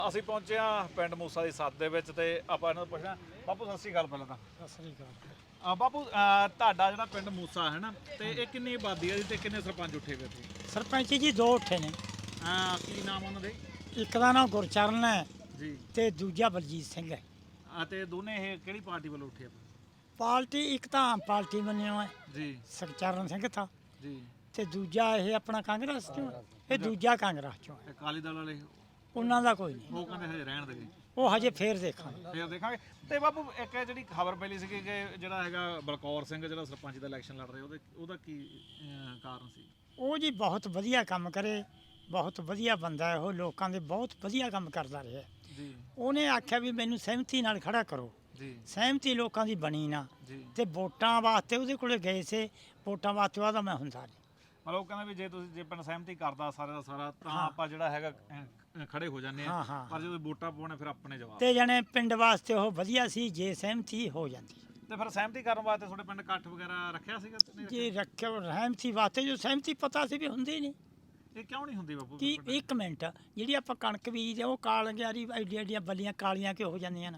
ਅਸੀਂ ਪਹੁੰਚੇ ਹਾਂ ਪਿੰਡ ਮੂਸਾ ਦੀ ਸੱਤ ਦੇ ਵਿੱਚ ਤੇ ਆਪਾਂ ਇਹਨਾਂ ਨੂੰ ਪੁੱਛਣਾ। ਬਾਪੂ ਸਤਿ ਸ਼੍ਰੀ ਅਕਾਲ। ਪਹਿਲਾਂ ਤਾਂ ਸਤਿ ਸ੍ਰੀ ਅਕਾਲ। ਬਾਪੂ ਤੁਹਾਡਾ ਜਿਹੜਾ ਪਿੰਡ ਮੂਸਾ ਹੈ ਨਾ, ਤੇ ਇਹ ਕਿੰਨੀ ਆਬਾਦੀ ਹੈ ਜੀ ਤੇ ਕਿੰਨੇ ਸਰਪੰਚ ਉੱਠੇ ਹੋਏ ਇੱਥੇ? ਸਰਪੰਚ ਜੀ ਦੋ ਉੱਠੇ ਨੇ। ਕੀ ਨਾਮ ਉਹਨਾਂ ਦੇ? ਇੱਕ ਦਾ ਨਾਮ ਗੁਰਚਰਨ ਹੈ ਜੀ ਤੇ ਦੂਜਾ ਬਲਜੀਤ ਸਿੰਘ ਹੈ। ਅਤੇ ਦੋਨੇ ਇਹ ਕਿਹੜੀ ਪਾਰਟੀ ਵੱਲੋਂ ਉੱਠੇ ਆ? ਪਾਰਟੀ ਇੱਕ ਤਾਂ ਆਮ ਪਾਰਟੀ ਮੰਨਿਓ ਹੈ ਜੀ ਸੁਖਚਰਨ ਸਿੰਘ ਥਾ, ਜੀ। ਤੇ ਦੂਜਾ ਇਹ ਆਪਣਾ ਕਾਂਗਰਸ ਚੋਂ ਹੈ। ਇਹ ਦੂਜਾ ਕਾਂਗਰਸ ਚੋਂ ਹੈ। ਅਕਾਲੀ ਦਲ ਵਾਲੇ ਉਹਨਾਂ ਦਾ ਕੋਈ ਨਹੀਂ, ਉਹ ਕਹਿੰਦੇ ਹਜੇ ਰਹਿਣ ਦੇਗੇ, ਉਹ ਹਜੇ ਫੇਰ ਦੇਖਾਂਗੇ। ਫੇਰ ਦੇਖਾਂਗੇ। ਤੇ ਬਾਪੂ ਇੱਕ ਜਿਹੜੀ ਖਬਰ ਪਹਿਲੀ ਸੀ ਕਿ ਜਿਹੜਾ ਹੈਗਾ ਬਲਕੌਰ ਸਿੰਘ ਜਿਹੜਾ ਸਰਪੰਚ ਦਾ ਇਲੈਕਸ਼ਨ ਲੜ ਰਿਹਾ, ਉਹਦਾ ਕੀ ਕਾਰਨ ਸੀ? ਉਹ ਜੀ ਬਹੁਤ ਵਧੀਆ ਕੰਮ ਕਰੇ, ਬਹੁਤ ਵਧੀਆ ਬੰਦਾ ਹੈ ਉਹ, ਲੋਕਾਂ ਦੇ ਬਹੁਤ ਵਧੀਆ ਕੰਮ ਕਰਦਾ ਰਿਹਾ ਜੀ। ਉਹਨੇ ਆਖਿਆ ਵੀ ਮੈਨੂੰ ਸਹਿਮਤੀ ਨਾਲ ਖੜਾ ਕਰੋ ਜੀ ਸਹਿਮਤੀ ਲੋਕਾਂ ਦੀ ਬਣੀ ਨਾ, ਜੀ। ਤੇ ਵੋਟਾਂ ਵਾਸਤੇ ਉਹਦੇ ਕੋਲੇ ਗਏ ਸੀ, ਵੋਟਾਂ ਵਾਸਤੇ ਉਹਦਾ ਮੈਂ ਹੁੰਦਾ ਨਹੀਂ। ਮਤਲਬ ਉਹ ਕਹਿੰਦਾ ਵੀ ਜੇ ਪਿੰਡ ਸਹਿਮਤੀ ਕਰਦਾ ਸਾਰੇ ਦਾ ਸਾਰਾ ਤਾਂ ਹਾਂ। ਆਪਾਂ ਜਿਹੜਾ ਹੈਗਾ ਖੜੇ ਹੋ ਜਾਂਦੇ ਹਾਂ, ਆ, ਹਾਂ। ਪਰ ਜਦੋਂ ਵੋਟਾਂ ਪਾਉਣੇ ਫਿਰ ਆਪਣੇ ਜਵਾਬ। ਤੇ ਜਣੇ ਪਿੰਡ ਵਾਸਤੇ ਉਹ ਵਧੀਆ ਸੀ ਜੇ ਸਹਿਮਤੀ ਹੋ ਜਾਂਦੀ। ਤੇ ਫਿਰ ਸਹਿਮਤੀ ਕਰਨ ਵਾਸਤੇ ਤੁਹਾਡੇ ਪਿੰਡ ਇਕੱਠ ਵਗੈਰਾ ਰੱਖਿਆ ਸੀਗਾ? ਨਹੀਂ ਜੇ ਰੱਖਿਆ ਸਹਿਮਤੀ ਵਾਸਤੇ, ਜੋ ਸਹਿਮਤੀ ਪਤਾ ਸੀ ਵੀ ਹੁੰਦੀ ਨਹੀਂ। ਰੱਖਿਆ? ਇਹ ਕਿਉਂ ਨਹੀਂ ਹੁੰਦੀ ਬਾਪੂ? ਕਿ ਇੱਕ ਮਿੰਟ, ਜਿਹੜੀ ਆਪਾਂ ਕਣਕ ਬੀਜਦੇ ਉਹ ਕਾਲੀਆਂ ਐਡੀਆਂ ਬੱਲੀਆਂ ਕਾਲੀਆਂ ਕਿਉਂ ਹੋ ਜਾਂਦੀਆਂ ਨਾ,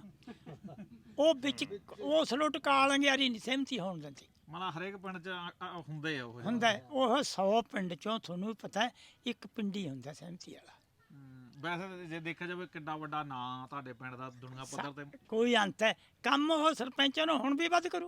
ਉਹ ਵਿੱਚ ਉਸ ਲੋਟ ਕਾਲੀਆਂ ਨਹੀਂ ਸਹਿਮਤੀ ਹੋਣ ਦਿੰਦੀ। ਮਤਲਬ ਹਰੇਕ ਪਿੰਡ 'ਚ ਹੁੰਦੇ ਆ ਉਹ ਹੁੰਦਾ ਹੈ, ਉਹ 100 ਪਿੰਡ ਚੋਂ ਤੁਹਾਨੂੰ ਵੀ ਪਤਾ ਹੈ ਇੱਕ ਪਿੰਡੀ ਹੁੰਦਾ ਸਹਿਮਤੀ ਵਾਲਾ। ਵੈਸੇ ਜੇ ਦੇਖਿਆ ਜਾਵੇ ਕਿੰਨਾ ਵੱਡਾ ਨਾਂ ਤੁਹਾਡੇ ਪਿੰਡ ਦਾ ਦੁਨੀਆ ਪੱਧਰ ਤੇ। ਕੋਈ ਅੰਤ ਹੈ ਕੰਮ ਉਹ ਸਰਪੰਚਾਂ ਨੂੰ ਹੁਣ ਵੀ ਵੱਧ ਕਰੂ,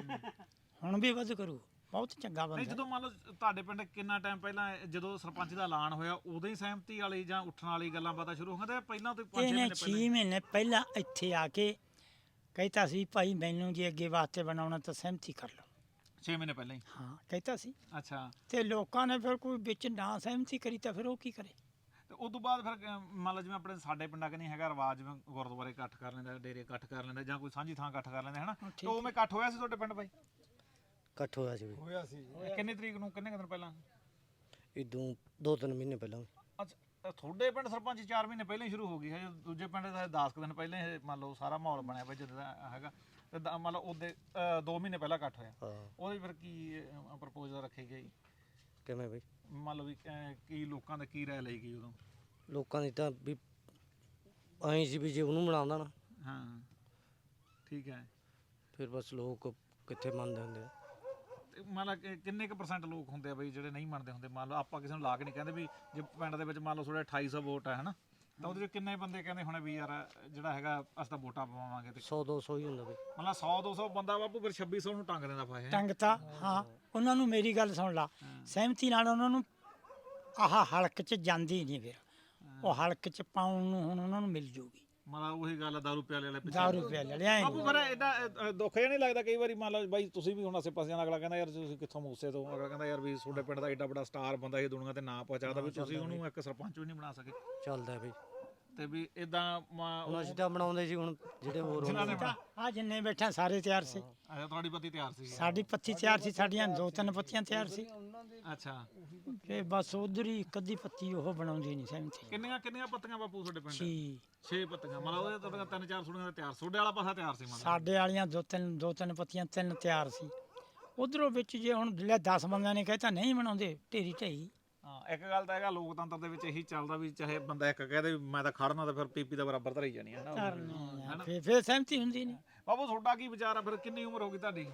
ਹੁਣ ਵੀ ਵੱਧ ਕਰੂ, ਬਹੁਤ ਚੰਗਾ ਨਹੀਂ, ਬੰਦਾ। ਜਦੋਂ ਮੰਨ ਲਓ ਤੁਹਾਡੇ ਪਿੰਡ ਕਿੰਨਾ ਟਾਈਮ ਪਹਿਲਾਂ ਜਦੋਂ ਸਰਪੰਚ ਦਾ ਐਲਾਨ ਹੋਇਆ ਉਦੋਂ ਹੀ ਸਹਿਮਤੀ ਵਾਲੀ ਜਾਂ ਉੱਠਣ ਵਾਲੀ ਗੱਲਾਂ ਪਤਾ ਸ਼ੁਰੂ ਹੋ ਗਈਆਂ, ਤੇ ਪਹਿਲਾਂ ਤੋਂ 5-6 ਇਹਨੇ ਮਹੀਨੇ 6 ਪਹਿਲਾਂ? ਮਹੀਨੇ ਪਹਿਲਾਂ ਇੱਥੇ ਆ ਕੇ ਕਹਿਤਾ ਸੀ ਭਾਈ ਮੈਨੂੰ ਜੇ ਅੱਗੇ ਵਾਸਤੇ ਬਣਾਉਣਾ ਤਾਂ ਸਹਿਮਤੀ ਕਰ ਲਓ। 6 ਮਹੀਨੇ ਪਹਿਲਾਂ ਹੀ? ਹਾਂ ਕਹਿਤਾ ਸੀ। ਅੱਛਾ। ਤੇ ਲੋਕਾਂ ਨੇ ਫਿਰ ਕੋਈ ਵਿੱਚ ਨਾ ਸਹਿਮਤੀ ਕਰੀ ਤਾਂ ਫਿਰ ਉਹ ਕੀ ਕਰੇ? ਤੇ ਉਸ ਤੋਂ ਬਾਅਦ ਫਿਰ ਮੰਨ ਲਓ ਜਿਵੇਂ ਆਪਣੇ ਸਾਡੇ ਪਿੰਡਾਂ ਕਿ ਨਹੀਂ ਹੈਗਾ ਰਿਵਾਜ, ਜਿਵੇਂ ਗੁਰਦੁਆਰੇ ਇਕੱਠ ਕਰ ਲੈਂਦਾ, ਡੇਰੇ ਇਕੱਠ ਕਰ ਲੈਂਦਾ, ਜਾਂ ਕੋਈ ਸਾਂਝੀ ਥਾਂ ਇਕੱਠ ਕਰ ਲੈਂਦੇ ਹਨਾ, ਤੇ ਉਵੇਂ ਇਕੱਠ ਹੋਇਆ ਸੀ ਤੁਹਾਡੇ ਪਿੰਡ ਬਾਈ? ਇਕੱਠ ਹੋਇਆ ਸੀ ਹੋਇਆ ਸੀ ਕਿੰਨੀ ਤਰੀਕ ਨੂੰ, ਕਿੰਨੇ ਕੁ ਦਿਨ ਪਹਿਲਾਂ? ਇਦੋਂ 2-3 ਮਹੀਨੇ ਪਹਿਲਾਂ। ਅੱਛਾ, ਤੁਹਾਡੇ ਪਿੰਡ ਸਰਪੰਚ 4 ਮਹੀਨੇ ਪਹਿਲਾਂ ਹੀ ਸ਼ੁਰੂ ਹੋ ਗਈ ਹੈ, ਦੂਜੇ ਪਿੰਡ ਦਾ 10 ਦਿਨ ਪਹਿਲਾਂ ਇਹ ਮੰਨ ਲਓ ਸਾਰਾ ਮਾਹੌਲ ਬਣਿਆ ਪਿਆ ਜਦੋਂ ਦਾ ਹੈਗਾ, ਤੇ ਮੰਨ ਲਓ ਉਹਦੇ 2 ਮਹੀਨੇ ਪਹਿਲਾਂ ਇਕੱਠ ਹੋਇਆ। ਹਾਂ। ਉਹਦੇ ਫਿਰ ਕੀ ਪ੍ਰਪੋਜ਼ਲ ਰੱਖੀ ਗਈ? ਕਿਵੇਂ ਬਈ? ਮੰਨ ਲਓ ਵੀ ਕੀ ਲੋਕਾਂ ਦਾ ਕੀ ਰਾਏ ਲਈ ਗਈ ਉਦੋਂ? ਲੋਕਾਂ ਦੀ ਤਾਂ ਵੀ ਐਂ ਸੀ ਵੀ ਜੇ ਉਹਨੂੰ ਬਣਾਉਂਦਾ ਨਾ, ਹਾਂ ਠੀਕ ਹੈ। ਫਿਰ ਬਸ ਲੋਕ ਕਿੱਥੇ ਮੰਨਦੇ ਹੁੰਦੇ ਆ। ਤੇ ਮੰਨ ਲਾ ਕਿੰਨੇ ਕੁ % ਲੋਕ ਹੁੰਦੇ ਆ ਬਈ ਜਿਹੜੇ ਨਹੀਂ ਮੰਨਦੇ ਹੁੰਦੇ? ਮੰਨ ਲਓ ਆਪਾਂ ਕਿਸੇ ਨੂੰ ਲਾ ਕੇ ਨਹੀਂ ਕਹਿੰਦੇ ਵੀ ਜੇ ਪਿੰਡ ਦੇ ਵਿੱਚ ਮੰਨ ਲਓ ਤੁਹਾਡੇ 2800 ਵੋਟ ਹੈ ਹਨਾ, ਤਾਂ ਉਹਦੇ 'ਚ ਕਿੰਨੇ ਬੰਦੇ ਕਹਿੰਦੇ ਹੋਣੇ ਵੀ ਯਾਰ ਜਿਹੜਾ ਹੈਗਾ ਅਸੀਂ ਤਾਂ ਵੋਟਾਂ ਪਵਾਵਾਂਗੇ? ਤੇ 100-200 ਹੀ ਹੁੰਦਾ ਬਈ। ਮਤਲਬ 100-200 ਬੰਦਾ ਬਾਪੂ ਫਿਰ 2600 ਨੂੰ ਟੰਗ ਦਿੰਦਾ ਫਾਇਦਾ। ਟੰਗਤਾ। ਹਾਂ, ਉਹਨਾਂ ਨੂੰ ਮੇਰੀ ਗੱਲ ਸੁਣ ਲਾ, ਸਹਿਮਤੀ ਨਾਲ ਉਹਨਾਂ ਨੂੰ ਆਹ ਹਲਕ 'ਚ ਜਾਂਦੀ ਨਹੀਂ, ਫਿਰ ਉਹ ਹਲਕ 'ਚ ਪਾਉਣ ਨੂੰ ਹੁਣ ਉਹਨਾਂ ਨੂੰ ਮਿਲ ਜੂਗੀ। ਮਤਲਬ ਉਹੀ ਗੱਲ ਆ, ਦਾਰੂ ਪਿਆਲੇ ਵਾਲੇ ਪਿੱਛੇ। ਦਾਰੂ ਪਿਆ ਲਿਆ ਬਾਪੂ ਫਿਰ ਐਡਾ ਦੁੱਖ ਜਿਹਾ ਨਹੀਂ ਲੱਗਦਾ ਕਈ ਵਾਰੀ? ਮੰਨ ਲਓ ਬਾਈ ਤੁਸੀਂ ਵੀ ਹੁਣ ਆਸੇ ਪਾਸੇ ਦਾ, ਅਗਲਾ ਕਹਿੰਦਾ ਯਾਰ ਤੁਸੀਂ ਕਿੱਥੋਂ ਮੂਸੇ ਤੋਂ, ਅਗਲਾ ਕਹਿੰਦਾ ਯਾਰ ਵੀ ਤੁਹਾਡੇ ਪਿੰਡ ਦਾ ਐਡਾ ਵੱਡਾ ਸਟਾਰ ਬੰਦਾ ਇਹ ਦੁਨੀਆ ਤੇ ਨਾਂ ਪਹੁੰਚਾਦਾ, ਵੀ ਤੁਸੀਂ ਉਹਨੂੰ ਇੱਕ ਸਰਪੰਚ ਵੀ ਨਹੀਂ ਬਣਾ ਸਕੇ। ਚੱਲਦਾ ਬਈ। ਤੇ ਵੀ ਇਦਾਂ ਹੁਣ ਅਸੀਂ ਤਾਂ ਬਣਾਉਂਦੇ ਸੀ, ਹੁਣ ਜਿਹੜੇ ਹੋਰ ਹੁੰਦੇ ਆ ਜਿੰਨੇ ਬੈਠਾ ਸਾਰੇ ਤਿਆਰ ਸੀ, ਅੱਛਾ ਤੁਹਾਡੀ ਪੱਤੀ ਤਿਆਰ ਸੀ? ਸਾਡੀ ਪੱਤੀ ਤਿਆਰ ਸੀ, ਸਾਡੀਆਂ 2-3 ਪੱਤੀਆਂ ਤਿਆਰ ਸੀ। ਅੱਛਾ। ਤੇ ਬਸ ਉਧਰ ਹੀ ਇੱਕ ਅੱਧੀ ਪੱਤੀ ਉਹ ਬਣਾਉਂਦੀ ਨਹੀਂ ਸਹਿਮਤੀ। ਕਿੰਨੀਆਂ ਪੱਤੀਆਂ ਬਾਪੂ ਤੁਹਾਡੇ ਪਿੰਡ? 6 6 ਪੱਤੀਆਂ। ਮਤਲਬ ਉਹਦੇ ਤੁਹਾਡੀਆਂ 3-4 ਸੁਣੀਆਂ ਦਾ ਤਿਆਰ, ਤੁਹਾਡੇ ਵਾਲਾ ਪਾਸਾ ਤਿਆਰ ਸੀ? ਮਤਲਬ ਸਾਡੇ ਵਾਲੀਆਂ 2-3 ਪੱਤੀਆਂ 3 ਤਿਆਰ ਸੀ। ਉਧਰੋਂ ਵਿੱਚ ਜੇ ਹੁਣ 10 ਬੰਦਿਆਂ ਨੇ ਕਹਿਤਾ ਨਹੀਂ ਬਣਾਉਂਦੇ, ਢੇਰੀ ਢਈ। ਹਾਂ, ਇੱਕ ਗੱਲ ਤਾਂ ਹੈਗਾ ਲੋਕਤੰਤਰ ਦੇ ਵਿੱਚ ਇਹੀ ਚੱਲਦਾ ਵੀ ਚਾਹੇ ਬੰਦਾ ਇੱਕ ਕਹਦੇ ਵੀ ਮੈਂ ਤਾਂ ਖੜਨਾ, ਤਾਂ ਫਿਰ ਪੀਪੀ ਦਾ ਬਰਾਬਰ ਧਰੀ ਜਾਣੀ ਹੈ ਨਾ। ਫਿਰ ਸਹਿਮਤੀ ਹੁੰਦੀ ਨਹੀਂ। ਬਾਬੂ ਤੁਹਾਡਾ ਕੀ ਵਿਚਾਰ ਆ ਫਿਰ? ਕਿੰਨੀ ਉਮਰ ਹੋ ਗਈ ਤੁਹਾਡੀ?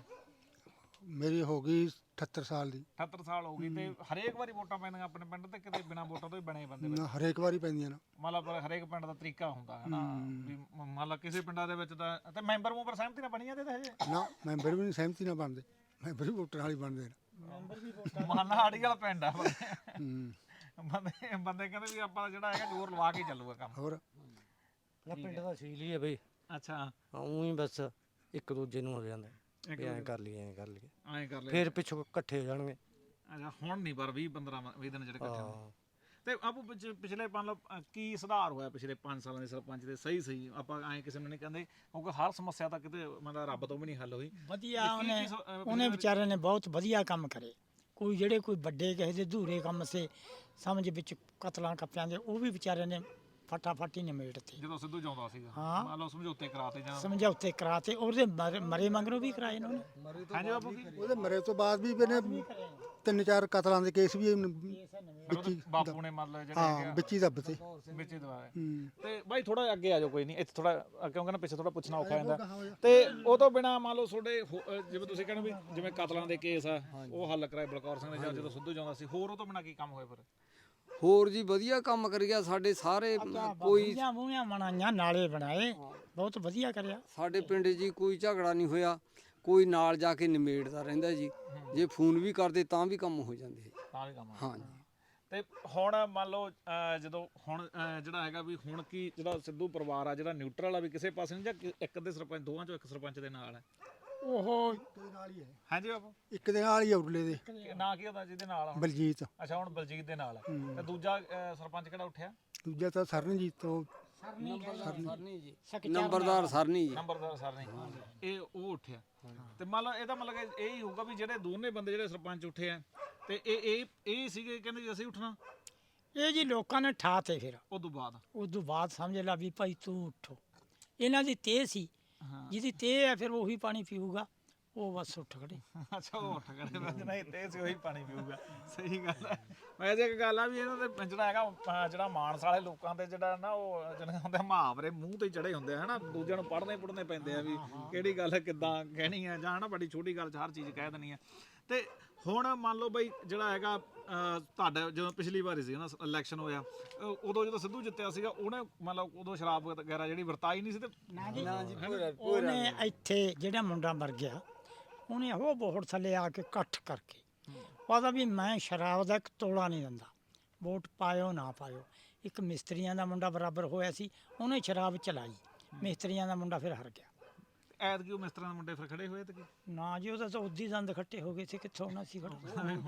ਮੇਰੀ ਹੋ ਗਈ 78 ਸਾਲ ਦੀ। 78 ਸਾਲ ਹੋ ਗਈ। ਤੇ ਹਰੇਕ ਵਾਰੀ ਵੋਟਾਂ ਪੈਂਦੀਆਂ ਆਪਣੇ ਪਿੰਡ ਤੇ ਕਿਤੇ ਬਿਨਾਂ ਵੋਟਾਂ ਤੋਂ ਹੀ ਬਣੇ ਬੰਦੇ? ਨਾ ਹਰੇਕ ਵਾਰੀ ਪੈਂਦੀਆਂ ਨਾ। ਮਤਲਬ ਹਰੇਕ ਪਿੰਡ ਦਾ ਤਰੀਕਾ ਹੁੰਦਾ ਹੈ ਨਾ, ਵੀ ਮੰਨ ਲਾ ਕਿਸੇ ਪਿੰਡਾਂ ਦੇ ਵਿੱਚ ਤਾਂ ਤੇ ਮੈਂਬਰ ਸਹਿਮਤੀ ਨਾਲ ਬਣੀ ਜਾਂਦੇ ਤਾਂ ਹਜੇ? ਨਾ ਮੈਂਬਰ ਵੀ ਨਹੀਂ ਸਹਿਮਤੀ ਨਾਲ ਬਣਦੇ, ਮੈਂਬਰ ਵੀ ਵੋਟਰ ਨਾਲ ਹੀ ਬਣਦੇ ਨੇ। ਮਾਨਾ ਆੜੀ ਵਾਲਾ ਪਿੰਡ ਆ। ਹੂੰ। ਬੰਦੇ ਕਹਿੰਦੇ ਵੀ ਆਪਾਂ ਜਿਹੜਾ ਹੈਗਾ ਜ਼ੋਰ ਲਵਾ ਕੇ ਚੱਲੂਗਾ ਕੰਮ। ਹੋਰ ਪਿੰਡ ਦਾ ਸੀਲ ਹੀ ਹੈ ਬਈ। ਅੱਛਾ। ਉਹੀ ਬਸ ਇੱਕ ਦੂਜੇ ਨੂੰ ਹੋ ਜਾਂਦਾ ਵੀ ਐਂ ਕਰ ਲਈਏ, ਐਂ ਕਰ ਲਈਏ, ਐਂ ਕਰ ਲੈ। ਫਿਰ ਪਿੱਛੋਂ ਇਕੱਠੇ ਹੋ ਜਾਣਗੇ। ਅੱਛਾ, ਹੁਣ ਨਹੀਂ ਪਰ 20-15 ਦਿਨ ਜਿਹੜੇ ਇਕੱਠੇ ਹੋਏ। ਹਾਂ। ਤੇ ਆਪੂ ਪਿਛਲੇ ਮਤਲਬ ਕੀ ਸੁਧਾਰ ਹੋਇਆ ਪਿਛਲੇ 5 ਸਾਲਾਂ ਦੇ ਸਰਪੰਚ ਦੇ? ਸਹੀ ਆਪਾਂ ਐਂ ਕਿਸੇ ਨੂੰ ਨਹੀਂ ਕਹਿੰਦੇ, ਕਿਉਂਕਿ ਹਰ ਸਮੱਸਿਆ ਤਾਂ ਕਿਤੇ ਮਤਲਬ ਰੱਬ ਤੋਂ ਵੀ ਨਹੀਂ ਹੱਲ ਹੋਈ। ਵਧੀਆ ਉਹਨੇ ਵਿਚਾਰੇ ਨੇ ਬਹੁਤ ਵਧੀਆ ਕੰਮ ਕਰੇ। ਕੋਈ ਵੱਡੇ ਕਿਸੇ ਦੇ ਅਧੂਰੇ ਕੰਮ ਸੇ ਸਮਝ ਵਿੱਚ ਕਤਲਾਂ ਕੱਪਿਆਂ ਦੇ, ਉਹ ਵੀ ਵਿਚਾਰੇ ਨੇ ਫਟਾਫਟ ਹੀ ਨਿਮੇੜਤੇ। ਜਦੋਂ ਸਿੱਧੂ ਜਾਉਂਦਾ ਸੀਗਾ, ਹਾਂ। ਮੰਨ ਲਓ ਸਮਝੌਤੇ ਕਰਾਤੇ ਜਾਂ ਸਮਝੌਤੇ ਕਰਾਤੇ, ਉਹਦੇ ਮਰੇ ਮੰਗਰੋਂ ਵੀ ਕਰਾਏ ਇਹਨਾਂ ਨੇ। ਹਾਂਜੀ ਬਾਪੂ ਕੀ? ਉਹਦੇ ਮਰੇ ਤੋਂ ਬਾਅਦ ਵੀ ਇਹਨੇ ਤਿੰਨ ਚਾਰ ਕਤਲਾਂ ਦੇ ਕੇਸ ਵੀ ਫਿਰ ਉਹਦੇ ਬਾਪੂ ਨੇ ਮਤਲਬ ਜਿਹੜੇ ਹੈਗੇ ਹਾਂ ਆ, ਵਿੱਚ ਹੀ ਦੱਬਤੇ ਵਿੱਚ ਹੀ ਦਵਾਏ। ਹੂੰ ਤੇ ਬਾਈ ਥੋੜਾ ਅੱਗੇ ਆ ਜਾਓ, ਕੋਈ ਨਹੀਂ ਇੱਥੇ ਥੋੜਾ, ਕਿਉਂਕਿ ਨਾ ਪਿੱਛੇ ਥੋੜਾ ਪੁੱਛਣਾ ਔਖਾ ਜਾਂਦਾ। ਤੇ ਉਹ ਤੋਂ ਬਿਨਾ ਮੰਨ ਲਓ ਤੁਹਾਡੇ ਜਿਵੇਂ ਤੁਸੀਂ ਕਹਿੰਦੇ ਵੀ ਜਿਵੇਂ ਕਤਲਾਂ ਦੇ ਕੇਸ ਆ ਉਹ ਹੱਲ ਕਰਾਏ ਬਲਕੌਰ ਸਿੰਘ ਨੇ ਜਾਂ ਜਦੋਂ ਸਿੱਧੂ ਜਾਂਦਾ ਸੀ, ਹੋਰ ਉਹ ਤੋਂ ਬਿਨਾ ਕੀ ਕੰਮ ਹੋਏ ਫਿਰ? ਹੋਰ ਜੀ ਵਧੀਆ ਕੰਮ ਕਰ ਗਿਆ ਸਾਡੇ ਸਾਰੇ ਕੋਈ ਮੂੰਹਾਂ ਬਣਾਈਆਂ, ਨਾਲੇ ਬਣਾਏ, ਬਹੁਤ ਵਧੀਆ ਕਰਿਆ। ਸਾਡੇ ਪਿੰਡ ਜੀ ਕੋਈ ਝਗੜਾ ਨਹੀਂ ਹੋਇਆ, ਕੋਈ ਨਾਲ ਜਾ ਕੇ ਨਿਮੇੜਦਾ ਰਹਿੰਦਾ ਜੀ। ਜੇ ਫੋਨ ਵੀ ਕਰਦੇ ਤਾਂ ਵੀ ਕੰਮ ਹੋ ਜਾਂਦੇ। ਤਾਂ ਵੀ ਕੰਮ ਹਾਂ ਜੀ। ਤੇ ਹੁਣ ਮੰਨ ਲਓ ਜਦੋਂ ਹੁਣ ਜਿਹੜਾ ਹੈਗਾ ਵੀ ਹੁਣ ਕੀ ਜਿਹੜਾ ਸਿੱਧੂ ਪਰਿਵਾਰ ਆ ਜਿਹੜਾ ਨਿਊਟਰਲ ਆ ਵੀ ਕਿਸੇ ਪਾਸੇ ਨਹੀਂ, ਜਾਂ ਇੱਕ ਦੇ ਸਰਪੰਚ, ਦੋਵਾਂ ਚੋਂ ਇੱਕ ਸਰਪੰਚ ਦੇ ਨਾਲ ਹੈ? ਉਹ ਨਾਲ ਹੀ ਹੈ, ਹਾਂਜੀ ਬਾਪੂ, ਇੱਕ ਦੇ ਨਾਲ ਹੀ ਉਰਲੇ ਦੇ ਨਾਂ ਕੀ ਹੁੰਦਾ ਜਿਹਦੇ ਨਾਲ ਆ ਹੁਣ? ਬਲਜੀਤ। ਅੱਛਾ, ਹੁਣ ਬਲਜੀਤ ਦੇ ਨਾਲ ਹੈ। ਤੇ ਦੂਜਾ ਸਰਪੰਚ ਕਿਹੜਾ ਉੱਠਿਆ? ਦੂਜਾ ਤਾਂ ਸਰਨਜੀਤ ਤੋਂ ਸਰਨੀ ਜੀ, ਨੰਬਰਦਾਰ ਸਰਨੀ ਜੀ। ਨੰਬਰਦਾਰ ਸਰ ਨੇ, ਇਹ ਉਹ ਉੱਠਿਆ। ਤੇ ਮੰਨ ਲਓ ਇਹਦਾ ਮਤਲਬ ਕਿ ਇਹ ਹੀ ਹੋਊਗਾ ਵੀ ਜਿਹੜੇ ਦੋਨੇ ਬੰਦੇ ਜਿਹੜੇ ਸਰਪੰਚ ਉੱਠੇ ਆ ਤੇ ਇਹ ਸੀਗੇ ਕਹਿੰਦੇ ਜੀ ਅਸੀਂ ਉੱਠਣਾ, ਇਹ ਜੀ ਲੋਕਾਂ ਨੇ ਠਾ ਤੇ ਫਿਰ ਉਸ ਤੋਂ ਬਾਅਦ ਸਮਝ ਲਾ ਵੀ ਭਾਈ ਤੂੰ ਉੱਠੋ। ਇਹਨਾਂ ਦੀ ਤੇਹ ਸੀ, ਜਿਹਦੀ ਤੇਹ ਹੈ ਫਿਰ ਉਹੀ ਪਾਣੀ ਪੀਊਗਾ, ਉਹ ਬਸ ਉੱਠ ਖੜੇ। ਅੱਛਾ, ਉਹ ਉੱਠ ਖੜੇ, ਮੈਂ ਨਹੀਂ ਤੇ ਸੀ ਉਹੀ ਪਾਣੀ ਪੀਊਗਾ। ਸਹੀ ਗੱਲ ਹੈ। ਵੈਸੇ ਇੱਕ ਗੱਲ ਆ ਵੀ ਇਹਨਾਂ ਦੇ ਜਿਹੜਾ ਹੈਗਾ ਜਿਹੜਾ ਮਾਨਸ ਵਾਲੇ ਲੋਕਾਂ ਦੇ ਜਿਹੜਾ ਨਾ ਉਹ ਜਿਹਨਾਂ ਹੁੰਦੇ ਮੁਹਾਵਰੇ ਮੂੰਹ ਤੇ ਚੜੇ ਹੁੰਦੇ ਆ ਹਨਾ, ਦੂਜਿਆਂ ਨੂੰ ਪੜ੍ਹਨੇ ਪੈਂਦੇ ਆ ਵੀ ਕਿਹੜੀ ਗੱਲ ਕਿੱਦਾਂ ਕਹਿਣੀ ਆ, ਜਾਂ ਹਨਾ ਬੜੀ ਛੋਟੀ ਗੱਲ 'ਚ ਹਰ ਚੀਜ਼ ਕਹਿ ਦੇਣੀ ਆ। ਤੇ ਹੁਣ ਮੰਨ ਲਓ ਬਈ ਜਿਹੜਾ ਹੈਗਾ ਤੁਹਾਡਾ ਜਦੋਂ ਪਿਛਲੀ ਵਾਰੀ ਸੀ ਨਾ ਇਲੈਕਸ਼ਨ ਹੋਇਆ, ਉਦੋਂ ਜਦੋਂ ਸਿੱਧੂ ਜਿੱਤਿਆ ਸੀਗਾ ਉਹਨੇ ਮਤਲਬ ਉਦੋਂ ਸ਼ਰਾਬ ਵਗੈਰਾ ਜਿਹੜੀ ਵਰਤਾਈ ਨਹੀਂ ਸੀ। ਤੇ ਨਾ ਜੀ ਉਹਨੇ ਇੱਥੇ ਜਿਹੜਾ ਮੁੰਡਾ ਮਰ ਗਿਆ ਉਹਨੇ ਉਹ ਬੋਹੜ ਥੱਲੇ ਆ ਕੇ ਇਕੱਠ ਕਰਕੇ ਉਹਦਾ ਵੀ ਮੈਂ ਸ਼ਰਾਬ ਦਾ ਇੱਕ ਤੋਲਾ ਨਹੀਂ ਦਿੰਦਾ, ਵੋਟ ਪਾਇਓ ਨਾ ਪਾਇਓ। ਇੱਕ ਮਿਸਤਰੀਆਂ ਦਾ ਮੁੰਡਾ ਬਰਾਬਰ ਹੋਇਆ ਸੀ, ਉਹਨੇ ਸ਼ਰਾਬ ਚਲਾਈ, ਮਿਸਤਰੀਆਂ ਦਾ ਮੁੰਡਾ ਫਿਰ ਹਰ ਗਿਆ। ਐਤਕੀ ਉਹ ਮਿਸਤਰਾਂ ਦੇ ਮੁੰਡੇ ਫਿਰ ਖੜੇ ਹੋਏ ਤੇ ਕੀ? ਨਾ ਜੀ, ਉਹਦਾ ਤਾਂ ਉਦੀ ਦੰਦ ਖੱਟੇ ਹੋ ਗਏ ਸੀ, ਕਿੱਥੋਂ ਹੋਣਾ ਸੀ ਖੜਾ,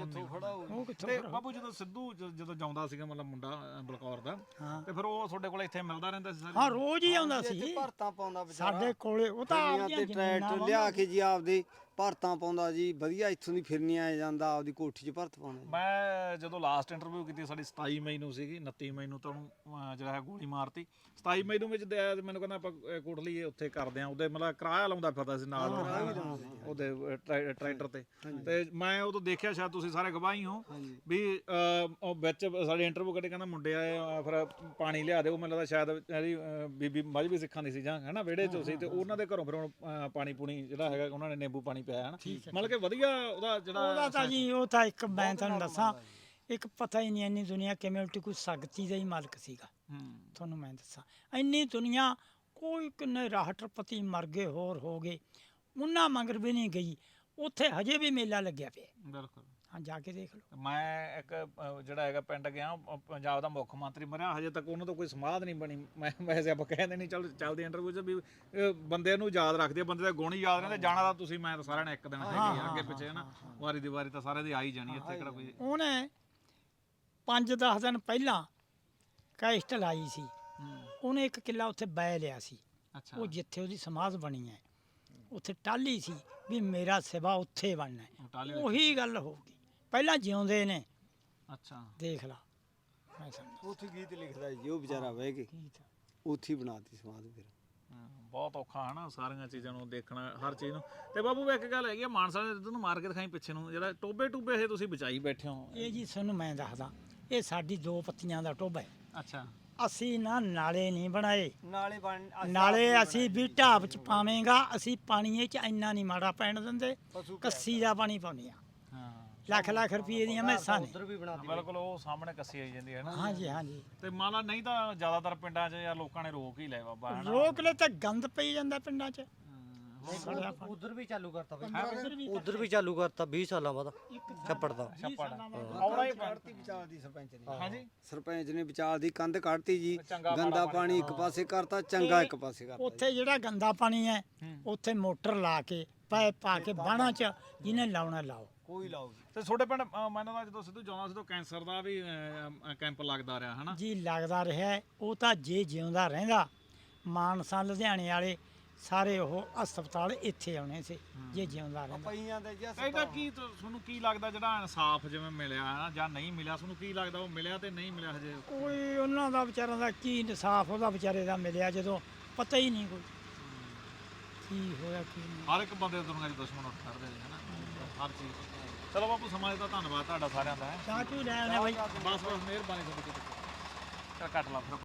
ਉਹ ਕਿੱਥੋਂ ਤੇ ਖੜਾ। ਬਾਬੂ ਜਦੋਂ ਸਿੱਧੂ ਜਦੋਂ ਜਾਉਂਦਾ ਸੀਗਾ ਮਤਲਬ ਮੁੰਡਾ ਬਲਕੌਰ ਦਾ, ਹਾਂ ਤੇ ਫਿਰ ਉਹ ਤੁਹਾਡੇ ਕੋਲ ਇੱਥੇ ਮਿਲਦਾ ਰਹਿੰਦਾ ਸੀ? ਹਾਂ, ਰੋਜ਼ ਹੀ ਆਉਂਦਾ ਸੀ ਭਰਤਾਂ ਪਾਉਂਦਾ ਵਿਚਾਰਾ ਸਾਡੇ ਕੋਲੇ। ਉਹ ਤਾਂ ਆਪਦੀਆਂ ਤੇ ਜ਼ਮੀਨਾਂ ਟਰੈਕਟਰ ਲਿਆ ਕੇ ਜੀ ਆਪਦੇ ਭਰਤਾਂ ਪਾਉਂਦਾ ਜੀ, ਵਧੀਆ ਇੱਥੋਂ ਦੀ ਫਿਰਨੀਆਂ ਆ ਜਾਂਦਾ, ਆਪਦੀ ਕੋਠੀ 'ਚ ਭਰਤ ਪਾਉਂਦਾ। ਮੈਂ ਜਦੋਂ ਲਾਸਟ ਇੰਟਰਵਿਊ ਕੀਤੀ ਸਾਡੀ 27 ਮਈ ਨੂੰ ਸੀਗੀ, 29 ਮਈ ਨੂੰ ਤਾਂ ਉਹਨੂੰ ਜਿਹੜਾ ਹੈ ਗੋਲੀ ਮਾਰਤੀ। 27 ਮਈ ਨੂੰ ਵਿੱਚ ਮੈਨੂੰ ਕਹਿੰਦਾ ਆਪਾਂ ਕੋਟਲੀ ਉੱਥੇ ਕਰਦੇ ਆ, ਉਹਦੇ ਮਤਲਬ ਕਿਰਾਇਆ ਲਾਉਂਦਾ ਫਿਰਦਾ ਸੀ ਨਾਲ ਉਹਦੇ ਟਰੈਕਟਰ ਤੇ ਮੈਂ ਉਦੋਂ ਦੇਖਿਆ, ਸ਼ਾਇਦ ਤੁਸੀਂ ਸਾਰੇ ਗਵਾਹੀ ਹੋ ਵੀ ਉਹ ਵਿੱਚ ਸਾਡੇ ਇੰਟਰਵਿਊ ਕੱਢੇ ਕਹਿੰਦਾ ਮੁੰਡੇ ਆਏ ਫਿਰ ਪਾਣੀ ਲਿਆ ਦਿਓ। ਮੈਨੂੰ ਲੱਗਦਾ ਸ਼ਾਇਦ ਇਹਦੀ ਬੀਬੀ ਮਜ਼੍ਹਬੀ ਸਿੱਖਾਂ ਦੀ ਸੀ ਜਾਂ ਹੈ ਨਾ ਵਿਹੜੇ 'ਚ ਸੀ, ਤੇ ਉਹਨਾਂ ਦੇ ਘਰੋਂ ਫਿਰ ਹੁਣ ਪਾਣੀ ਪੂਣੀ ਜਿਹੜਾ ਹੈਗਾ ਉਹਨਾਂ ਨੇ ਨਿੰਬੂ ਪਾਣੀ ਪਿਆ ਹੈ ਨਾ, ਮਤਲਬ ਕਿ ਵਧੀਆ ਉਹਦਾ ਜਿਹੜਾ ਤਾਂ ਜੀ ਉਹ ਤਾਂ ਇੱਕ ਮੈਂ ਤੁਹਾਨੂੰ ਦੱਸਾਂ, ਇੱਕ ਪਤਾ ਹੀ ਨਹੀਂ ਇੰਨੀ ਦੁਨੀਆ ਕਿਵੇਂ ਉਲਟੀ, ਕੋਈ ਸ਼ਕਤੀ ਦਾ ਹੀ ਮਾਲਕ ਸੀਗਾ। ਤੁਹਾਨੂੰ ਮੈਂ ਦੱਸਾਂ ਇੰਨੀ ਦੁਨੀਆ, ਕੋਈ ਕਿੰਨੇ ਰਾਸ਼ਟਰਪਤੀ ਮਰ ਗਏ, ਹੋਰ ਹੋ ਗਏ, ਉਹਨਾਂ ਮਗਰ ਵੀ ਨਹੀਂ ਗਈ। ਉੱਥੇ ਹਜੇ ਵੀ ਮੇਲਾ ਲੱਗਿਆ ਪਿਆ। ਬਿਲਕੁਲ, ਹਾਂ ਜਾ ਕੇ ਦੇਖ ਲਓ। ਮੈਂ ਇੱਕ ਜਿਹੜਾ ਹੈਗਾ ਪਿੰਡ ਗਿਆ, ਪੰਜਾਬ ਦਾ ਮੁੱਖ ਮੰਤਰੀ ਮਰਿਆ, ਹਜੇ ਤੱਕ ਉਹਨਾਂ ਤੋਂ ਕੋਈ ਸਮਾਧ ਨਹੀਂ ਬਣੀ। ਮੈਂ ਵੈਸੇ ਆਪਾਂ ਕਹਿੰਦੇ ਨਹੀਂ ਚੱਲਦੇ ਇੰਟਰਵਿਊ 'ਚ ਵੀ ਬੰਦੇ ਨੂੰ ਯਾਦ ਰੱਖਦੇ ਆ, ਬੰਦੇ ਦਾ ਗੁਣ ਹੀ ਯਾਦ ਰਹਿੰਦੇ। ਜਾਣਾ ਤਾਂ ਤੁਸੀਂ ਮੈਂ ਤਾਂ ਸਾਰਿਆਂ ਨੇ ਇੱਕ ਦਿਨ ਹੈਗੇ ਅੱਗੇ ਪਿੱਛੇ ਹੈ ਨਾ, ਵਾਰੀ ਦੀ ਵਾਰੀ ਤਾਂ ਸਾਰਿਆਂ ਦੀ ਆ ਹੀ ਜਾਣੀ ਇੱਥੇ ਕਿਹੜਾ ਕੋਈ। ਉਹਨੇ 5-10 ਦਿਨ ਪਹਿਲਾਂ ਕੈਸਟ ਲਾਈ ਸੀ, ਉਹਨੇ ਇੱਕ ਕਿੱਲਾ ਉੱਥੇ ਬੈ ਲਿਆ ਸੀ। ਅੱਛਾ, ਉਹ ਜਿੱਥੇ ਉਹਦੀ ਸਮਾਧ ਬਣੀ ਹੈ ਉੱਥੇ ਟਾਹਲੀ ਸੀ ਵੀ ਮੇਰਾ ਸਿਵਾ ਉੱਥੇ ਬਣਨਾ ਹੈ। ਉਹੀ ਗੱਲ ਹੋ ਗਈ, ਪਹਿਲਾਂ ਜਿਉਂਦੇ ਨੇ। ਅੱਛਾ, ਦੇਖ ਲਾ, ਮੈਂ ਸਮਝਦਾ ਉੱਥੇ ਗੀਤ ਲਿਖਦਾ ਜੀ ਉਹ ਵਿਚਾਰਾ ਬਹਿ ਕੇ, ਉੱਥੇ ਬਣਾਤੀ ਸਮਾਧ ਫਿਰ। ਬਹੁਤ ਔਖਾ ਹੈ ਨਾ ਸਾਰੀਆਂ ਚੀਜ਼ਾਂ ਨੂੰ ਦੇਖਣਾ, ਹਰ ਚੀਜ਼ ਨੂੰ। ਤੇ ਬਾਬੂ ਇੱਕ ਗੱਲ ਹੈਗੀ ਆ, ਮਾਨਸਾ ਨੇ ਤੁਹਾਨੂੰ ਮਾਰ ਕੇ ਦਿਖਾਈ ਪਿੱਛੇ ਨੂੰ, ਜਿਹੜਾ ਟੋਬੇ ਇਹ ਤੁਸੀਂ ਬਚਾਈ ਬੈਠੇ ਹੋ। ਇਹ ਜੀ ਤੁਹਾਨੂੰ ਮੈਂ ਦੱਸਦਾ, ਇਹ ਸਾਡੀ 2 ਪੱਤੀਆਂ ਦਾ ਟੋਬਾ ਹੈ। ਅੱਛਾ, ਅਸੀਂ ਨਾ ਨਾਲੇ ਨਹੀਂ ਬਣਾਏ, ਨਾਲੇ ਨਾਲੇ ਅਸੀਂ ਵੀ ਢਾਬ ਚ ਪਾਵੇਂਗਾ, ਅਸੀਂ ਪਾਣੀ 'ਚ ਇੰਨਾ ਨਹੀਂ ਮਾੜਾ ਪੈਣ ਦਿੰਦੇ, ਕੱਸੀ ਦਾ ਪਾਣੀ ਪਾਉਂਦੇ ਆ। ਹਾਂ, ਲੱਖ ਦੀਆਂ ਮੈਸਾਂ ਨੇ। ਬਿਲਕੁਲ, ਉਹ ਸਾਹਮਣੇ ਕੱਸੀ ਆਈ ਜਾਂਦੀ ਹੈ ਨਾ। ਹਾਂਜੀ ਹਾਂਜੀ, ਤੇ ਮੰਨ ਲਾ ਨਹੀਂ ਤਾਂ ਜ਼ਿਆਦਾਤਰ ਪਿੰਡਾਂ 'ਚ ਯਾਰ ਲੋਕਾਂ ਨੇ ਰੋਕ ਹੀ ਲਿਆ ਬਾਬਾ ਹੈ ਨਾ। ਰੋਕ ਲੈ ਤਾਂ ਗੰਦ ਪਈ ਜਾਂਦਾ ਪਿੰਡਾਂ 'ਚ। ਉਧਰ ਵੀ ਚਾਲੂ ਕਰਤਾ ਬਈ, ਉਧਰ ਵੀ ਚਾਲੂ ਕਰਤਾ 20 ਸਾਲਾਂ ਬਾਅਦ ਛੱਪੜ ਦਾ। ਆਉਣਾ ਹੀ ਕੱਢਤੀ ਵਿਚਾਲ ਦੀ ਸਰਪੰਚ ਨੇ। ਹਾਂਜੀ, ਸਰਪੰਚ ਨੇ ਵਿਚਾਲ ਦੀ ਕੰਧ ਕੱਢਤੀ ਜੀ, ਚੰਗਾ ਗੰਦਾ ਪਾਣੀ ਇੱਕ ਪਾਸੇ ਕਰਤਾ, ਚੰਗਾ ਇੱਕ ਪਾਸੇ ਕਰਤਾ। ਉੱਥੇ ਜਿਹੜਾ ਗੰਦਾ ਪਾਣੀ ਹੈ ਉੱਥੇ ਮੋਟਰ ਲਾ ਕੇ ਪਾਇਪ ਪਾ ਕੇ ਬਾਣਾ 'ਚ ਜਿਹਨੇ ਲਾਉਣਾ ਲਾਓ। ਕੋਈ ਲਾਓ ਤੇ ਤੁਹਾਡੇ ਪਿੰਡ ਮੈਨੂੰ ਤਾਂ ਜਦੋਂ ਸਿੱਧੂ ਜਾਉਂਦਾ ਸੀ ਤਾਂ ਕੈਂਸਰ ਦਾ ਵੀ ਕੈਂਪ ਲੱਗਦਾ ਰਿਹਾ ਹਨਾ ਜੀ, ਲੱਗਦਾ ਰਿਹਾ। ਉਹ ਤਾਂ ਜੇ ਜਿਉਂਦਾ ਰਹਿੰਦਾ, ਮਾਨਸਾ ਲੁਧਿਆਣੇ ਵਾਲੇ ਸਾਰੇ ਉਹ ਹਸਪਤਾਲ ਇੱਥੇ ਆਉਣੇ ਸੀ ਜੇ ਜਿਉਂਦਾ ਰਹਿੰਦਾ। ਪਈਆਂ ਦੇ ਜੀ ਇਹਦਾ ਕੀ ਤੁਹਾਨੂੰ ਕੀ ਲੱਗਦਾ ਜਿਹੜਾ ਇਨਸਾਫ ਜਿਵੇਂ ਮਿਲਿਆ ਹੈ ਜਾਂ ਨਹੀਂ ਮਿਲਿਆ, ਤੁਹਾਨੂੰ ਕੀ ਲੱਗਦਾ ਉਹ ਮਿਲਿਆ ਤੇ ਨਹੀਂ ਮਿਲਿਆ ਹਜੇ? ਕੋਈ ਉਹਨਾਂ ਦਾ ਵਿਚਾਰਾਂ ਦਾ ਕੀ ਇਨਸਾਫ ਉਹਦਾ ਵਿਚਾਰੇ ਦਾ ਮਿਲਿਆ ਜਦੋਂ ਪਤਾ ਹੀ ਨਹੀਂ ਕੋਈ ਕੀ ਹੋਇਆ ਕੀ ਨਹੀਂ। ਹਰ ਇੱਕ ਬੰਦੇ ਦੁਨੀਆ 'ਚ ਦੁਸ਼ਮਣ ਉੱਠ ਖੜਦੇ ਨੇ ਹਨਾ, ਹਰ ਚੀਜ਼ ਚਲੋ ਬਾਪੂ ਸਮਾਂ ਦਾ ਧੰਨਵਾਦ ਤੁਹਾਡਾ ਸਾਰਿਆਂ ਦਾ ਹੈ ਚਾਹ ਚੂ ਲੈ ਆਉਣੇ ਬਾਈ ਬਸ ਬਸ ਮਿਹਰਬਾਨੀ ਤੁਹਾਡੀ। ਚੱਲ ਕੱਟ ਲਾ ਫਿਰ।